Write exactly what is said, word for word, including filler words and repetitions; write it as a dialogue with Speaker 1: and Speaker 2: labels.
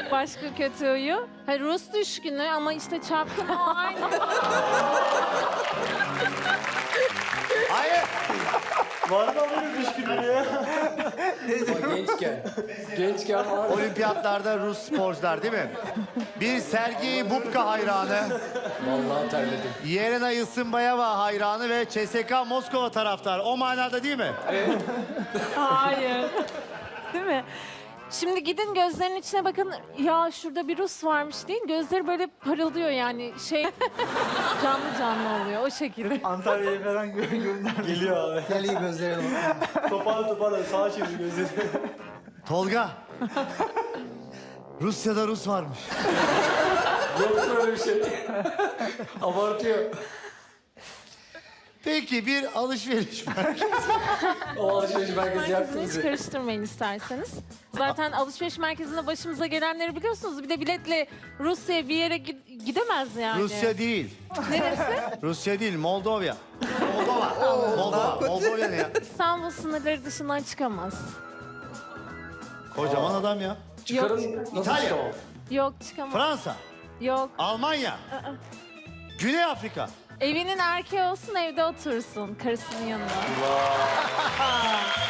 Speaker 1: Başka kötü huyu. Ha, Rus düşkünü ama işte çapkın o aynı.
Speaker 2: Hayır.
Speaker 3: Var mı böyle düşkünlüğü ya?
Speaker 4: Ama gençken. Gençken var.
Speaker 2: Olimpiyatlarda Rus sporcular değil mi? Bir Sergey Bubka hayranı,
Speaker 4: Vallahi terledim.
Speaker 2: Yelena Isınbayeva hayranı ve C S K A Moskova taraftarı. O manada değil mi?
Speaker 1: Hayır. Değil mi? Şimdi gidin gözlerinin içine bakın. Ya şurada bir Rus varmış deyin. Gözleri böyle parıldıyor yani. Şey canlı canlı oluyor o şekilde.
Speaker 3: Antalya'ya falan gö gönder. Geliyor abi.
Speaker 5: Gel iyi gözlerine bak.
Speaker 3: Toparla toparla sağa çevir gözleri.
Speaker 2: Tolga. Rusya'da Rus varmış.
Speaker 4: Yok böyle bir şey. Abartıyor.
Speaker 2: Peki bir alışveriş merkezi.
Speaker 4: O alışveriş merkezi
Speaker 1: Merkezini
Speaker 4: yaktı
Speaker 1: hiç
Speaker 4: bizi.
Speaker 1: karıştırmayın isterseniz. Zaten alışveriş merkezinde başımıza gelenleri biliyorsunuz. Bir de biletle Rusya'ya bir yere gi- gidemez yani.
Speaker 2: Rusya değil.
Speaker 1: Neresi?
Speaker 2: Rusya değil, Moldova. Moldova. Moldova. Moldova ne ya?
Speaker 1: İstanbul sınırları dışından çıkamaz.
Speaker 2: Kocaman adam ya.
Speaker 4: Çıkarın nasıl
Speaker 2: İtalya.
Speaker 4: çıkamam?
Speaker 1: Yok çıkamaz.
Speaker 2: Fransa,
Speaker 1: Yok.
Speaker 2: Almanya, Güney Afrika.
Speaker 1: Evinin erkeği olsun evde otursun karısının yanında.